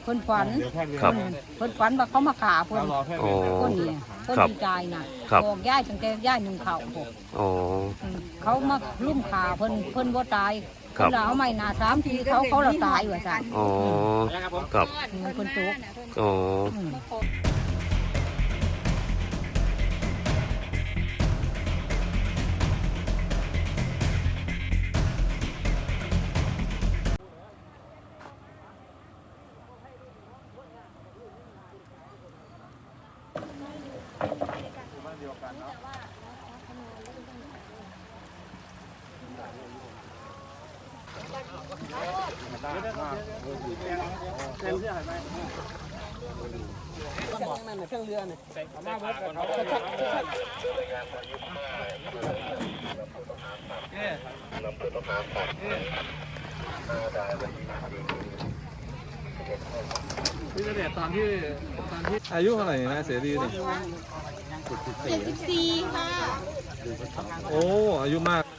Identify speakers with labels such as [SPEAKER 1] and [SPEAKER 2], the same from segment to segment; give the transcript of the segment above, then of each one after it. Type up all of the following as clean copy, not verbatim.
[SPEAKER 1] พิ่นฝัน
[SPEAKER 2] ครับ
[SPEAKER 1] เพิ่นฝันว่าเขามาขาเพิ่น
[SPEAKER 2] อ๋อ
[SPEAKER 1] คนนี้เพิ่น
[SPEAKER 2] ครับ
[SPEAKER 1] ดีใจน่ะบอกย่ายตั้งแต่ย่ายหนึ่งเขาพวก
[SPEAKER 2] อ๋อ
[SPEAKER 1] เขามาลุ่มขาเพิ่นบ่ตาย
[SPEAKER 2] ครั
[SPEAKER 1] เพิ่
[SPEAKER 2] บ
[SPEAKER 1] นเอาไม้หน้า3ทีเขาเราตายว่าซั่น
[SPEAKER 2] อ๋อครับ
[SPEAKER 1] เพิ่นตก
[SPEAKER 2] อ๋อ
[SPEAKER 1] อืม
[SPEAKER 3] พี่เสด็จตอนที่อายุเท่าไหร่นะเสรีนี่
[SPEAKER 1] 74ค่ะ
[SPEAKER 3] โอ้อายุมาก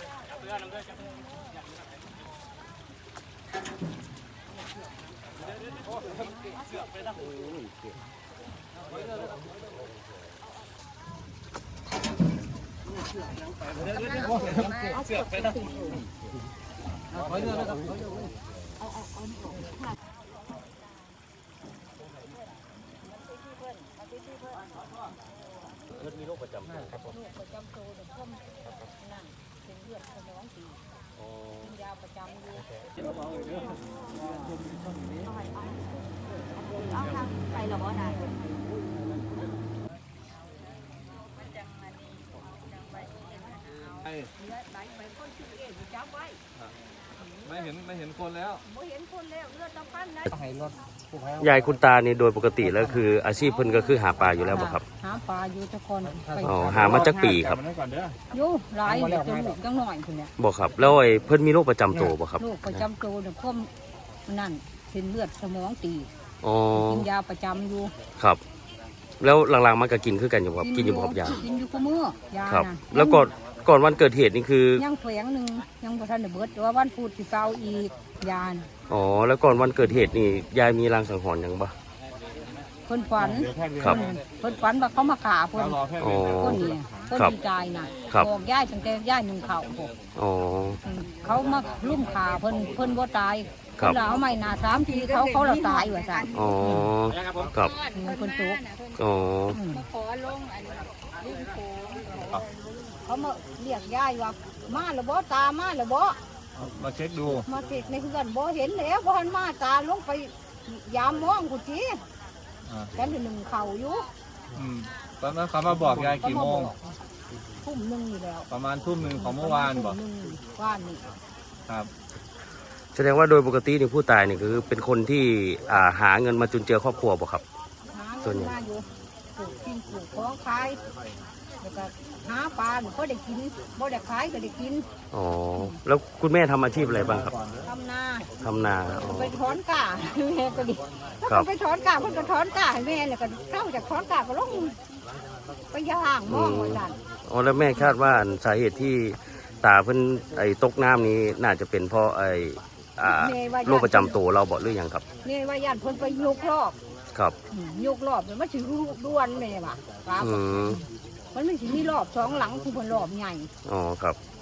[SPEAKER 3] ไม่เห็นคนแล้ว
[SPEAKER 2] ยายคุณตานี่โดยปกติแล้วคือ อาชีพเพิ่นก็คือหาปลาอยู่แล้วบ่ครับ
[SPEAKER 1] หาปลาอยู่ทุกคนไป
[SPEAKER 2] อ๋อหามาจากปีครับ
[SPEAKER 1] อยู่หลายอยู่จนลูกจังหน่อยพุ่นเนี่ย
[SPEAKER 2] บ่ครับแล้วไอ้เพิ่นมีโรคประจำตัวบ่ครับ
[SPEAKER 1] ลูกประจำตัวเนี่ยพ่มนั่นเส้นเลือดสมองตีบ
[SPEAKER 2] อ๋อ
[SPEAKER 1] กินยาประจำอยู่
[SPEAKER 2] ครับ แล้วหลังๆมันก็กินคือกันอยู่ครับกินอยู่บ่ครับยา
[SPEAKER 1] กินอยู่กับมือยา
[SPEAKER 2] ครับ
[SPEAKER 1] น่ะ
[SPEAKER 2] แล้วก่อนวันเกิดเหตุนี่คือ
[SPEAKER 1] ยังแฝงหนึ่งยังบ่ทันได้เบิดแต่ว่าวันพุธสิเฝ้าอีกยาน
[SPEAKER 2] อ๋อแล้วก่อนวันเกิดเหตุนี่ยายมีรางสังหรณ์หยังบ่
[SPEAKER 1] เพิ่นฝัน
[SPEAKER 2] ครับ
[SPEAKER 1] เพิ่นฝันว่าเขามาขาเพิ่น
[SPEAKER 2] อ๋อ
[SPEAKER 1] คนนี้เพิ่น
[SPEAKER 2] ครับ
[SPEAKER 1] ดีใจน่ะ
[SPEAKER 2] ครับ
[SPEAKER 1] บอกย่ายตั้งแต่ย่ายหนึ่งเขาพวก
[SPEAKER 2] อ๋อ
[SPEAKER 1] เขามาลุ่มขาเพิ่นบ่ตาย
[SPEAKER 2] ครั
[SPEAKER 1] เพิ่
[SPEAKER 2] บ
[SPEAKER 1] นเอาไม้หน้า3ทีเขาเราตายว่าซั่น
[SPEAKER 2] อ๋อครับ
[SPEAKER 1] เพิ่นตก
[SPEAKER 2] อ๋อ
[SPEAKER 1] ขอลงอันริมโขงเขามาเรียกยายว่ามาแล้วบ่ตามาแล้วบ่
[SPEAKER 3] มาเช็คดู
[SPEAKER 1] มาติดในเฮือนบ่เห็นแล้วบ่หันมาตาลงไปยามมองกูจี
[SPEAKER 3] อ่า
[SPEAKER 1] กันหนึ่งเข่าอยู่
[SPEAKER 3] ตอนนั้นเขามาบอกยายกี่โมง
[SPEAKER 1] ทุ่มหนึงอยู่แล้ว
[SPEAKER 3] ประมาณทุ่มหนึ่งของเมื่อวานบอก
[SPEAKER 1] ทุ่มหนึ่งวานนี่
[SPEAKER 3] ครับ
[SPEAKER 2] แสดงว่าโดยปกตินี่ผู้ตายนี่คือเป็นคนที่หาเงินมาจุนเจือครอบครัวบ่ครับ
[SPEAKER 1] หา
[SPEAKER 2] ส่
[SPEAKER 1] เงิ
[SPEAKER 2] วน
[SPEAKER 1] น
[SPEAKER 2] ใหญ่
[SPEAKER 1] มาอยู่ปลูกกินปลูกของขายแล้วก็หาปลาก็ได้กินบ่ได้ขายก็ได้กิน
[SPEAKER 2] อ๋อแล้วคุณแม่ทำอาชีพอะไรบ้างครับ
[SPEAKER 1] ทำนา
[SPEAKER 2] ทำนาอ๋อ
[SPEAKER 1] ไปถอนกาแม่ก็ดีถ้า
[SPEAKER 2] ครับ
[SPEAKER 1] ไปถอนกาเพิ่นก็ถอนกาให้แม่แล้วก็เข้าจากถอนกาก็ลงไปย่างมองว่าซั่น
[SPEAKER 2] อ๋อแล้วแม่คาดว่าสาเหตุที่ตาเพิ่นไอ้ตกน้ำนี้น่าจะเป็นเพราะไอ้โรคประจำตัวเราบอกหรือยังครับ
[SPEAKER 1] นี่ว่าญาติเพิ่นไปยกรอบ
[SPEAKER 2] ครับ
[SPEAKER 1] ยกรอบมันสิรูด้วนแม่ว่ะครับ
[SPEAKER 2] อืม
[SPEAKER 1] มันสิมีรอบ2หลังคือเพิ่นรอบใหญ่
[SPEAKER 2] อ๋อครับ
[SPEAKER 1] อ